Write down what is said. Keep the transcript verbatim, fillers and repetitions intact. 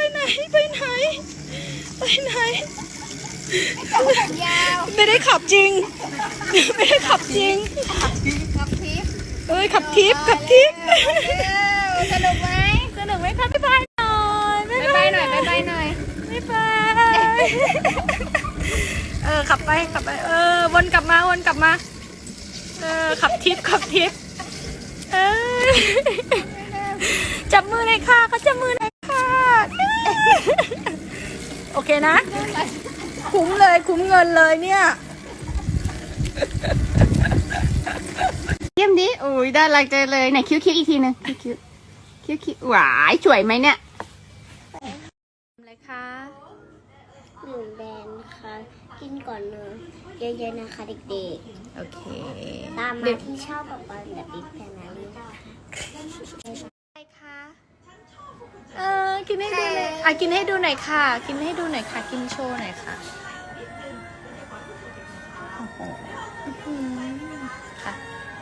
ไหนไปไหนไปไหนยาวไม่ได้ขับจริงไม่ได้ขับจริงขับทิปเอ้ยขับทิปขับทิปสนุกไหมสนุกไหมคะบ๊ายบายหน่อยบายบายหน่อยบายบายหน่อยบ๊ายบายเออขับไปขับไปเออวนกลับมาวนกลับมาเออขับทิปขับทิปเออจับมือเลยค่ะเขาจับมือเลยค่ะโอเคนะคุ้มเลยคุ้มเงินเลยเนี่ยเยี่ยมดิโอ้ยได้รักใจเลยไหนคิ้วคิ้วอีกทีนึงคิ้วคิ้วคิ้วคิ้วหวายสวยไหมเนี่ยอะไรคะหนึ่งแบรนด์ค่ะกินก่อนนอนเยอะๆนะคะเด็กโอเคๆ ตามมาที่ชอบกับบอลแบบบิ๊กแฟนนารีค่ะอะไรคะเออกินให้ดูเลยอ่ะกินให้ดูหน่อยค่ะ กินให้ดูหน่อยค่ะกินโชว์หน่อยค่ะโอ้โหอื้อหือค่ะ